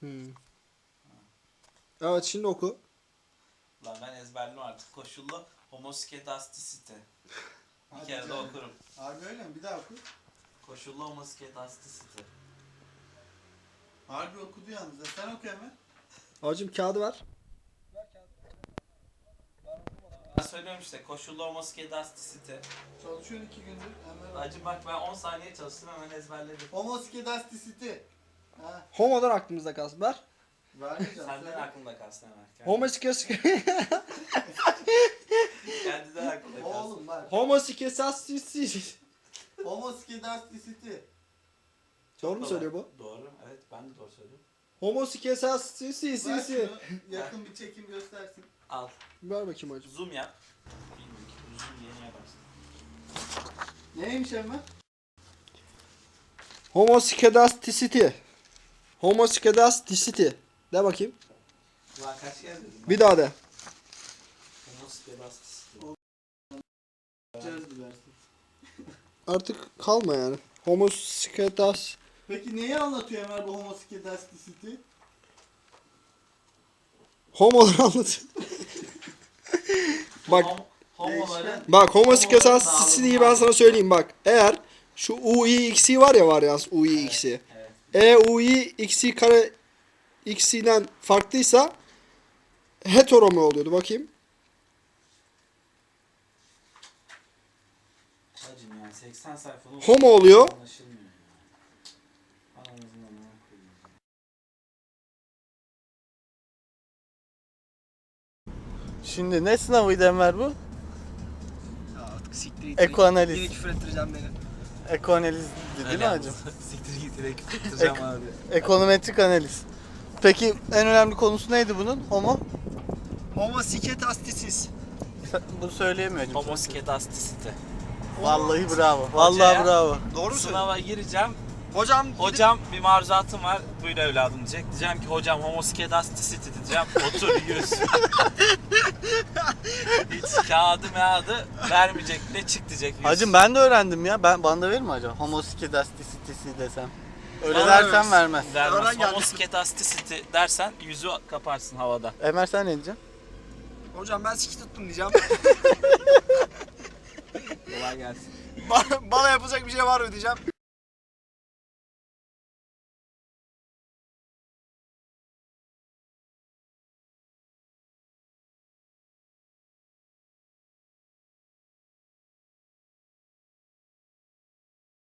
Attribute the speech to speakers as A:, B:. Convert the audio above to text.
A: Evet, şimdi oku.
B: Lan ben ezberledim artık. Koşullu homoskedastisite. Bir
C: Hadi
B: kere de
C: canım.
B: okurum.
C: Harbi öyle mi? Bir daha oku.
B: Koşullu homoskedastisite.
C: Harbi okudu yalnız. Sen oku hemen.
A: Hacım kağıdı ver.
B: Ben söylüyorum işte koşullu homoskedastisite.
C: Çalışıyorsun 2 gündür. Hemen
B: Acı bak ben 10 saniye çalıştım hemen ezberledim.
C: Homoskedasticity. Ha.
A: Homo'dan aklımızda kalsın. Ver.
C: Vermeyeceğim.
B: Senden
C: söyle.
B: aklında kalsın hemen. Kendinden aklında kalsın.
C: Oğlum bak.
A: Homoskedastisity.
C: Homoskedasticity.
A: Doğru mu söylüyor bu?
B: Doğru. Evet ben de doğru söylüyorum.
A: Homoskedastisity.
C: Ver şunu. Yakın bir çekim göstersin.
B: Al.
A: Ver bakayım hacım.
B: Zoom yap. Bilmiyorum ki. Zoom yeni yaparsın.
C: Neymiş hemen?
A: Homoskedasticity. Homoskedasticity. De bakayım.
B: Ulan kaç kere dedim ben?
A: Bir daha de.
B: Homoskedastisite.
C: Çöz versin.
A: Artık kalma yani. Homoskedas.
C: Peki neyi anlatıyor Ömer bu homoskedasticity?
A: Homoları anlatıyor. Bak.
B: Homoların
A: Bak homoskedasticity ben sana söyleyeyim bak. Eğer şu UIX'i var ya var ya UIX'i.
B: Evet.
A: UIX'i kare X'den farklıysa hetero mu oluyordu bakayım.
B: Hacım yani 80 sayfalı
A: Homo oluyor.
B: anlaşılmıyor ya. Anamızın amına koyayım.
C: Şimdi ne sınavıydı Enver bu?
A: Artık siktir
C: Ekoanaliz.
A: Yine küfür ettireceğim beni.
C: Ekoanalizdi değil mi hacım?
B: Siktir git direkt tutacağım abi.
C: Ekonometrik analiz. Peki en önemli konusu neydi bunun? Homo?
A: Homoskedasticity.
C: Bunu söyleyemiyor hacım.
B: Homoskedastisite.
C: Vallahi bravo. Vallahi
B: Hocaya-
C: bravo.
A: Doğru mu
B: Sınava gireceğim.
A: Hocam
B: Hocam bir maruzatım var. Buyur evladım diyecek. Diyeceğim ki hocam homoskedastisite diyeceğim. Otur yüz. Hiç kağıdı vermeyecek. Ne çık diyecek. Yüz.
C: Hacım ben de öğrendim ya. Bana da verir mi hocam? Homoskedasticity desem. Öyle
A: Bana
C: dersen
A: vermez.
C: vermez.
B: Vermez.
A: Öğren geldi.
B: Homoskedastisite dersen yüzü kaparsın havada.
C: Ömer sen ne diyeceksin?
A: Hocam ben siki tuttum diyeceğim.
B: Kolay gelsin.
A: Bana yapılacak bir şey var mı diyeceğim.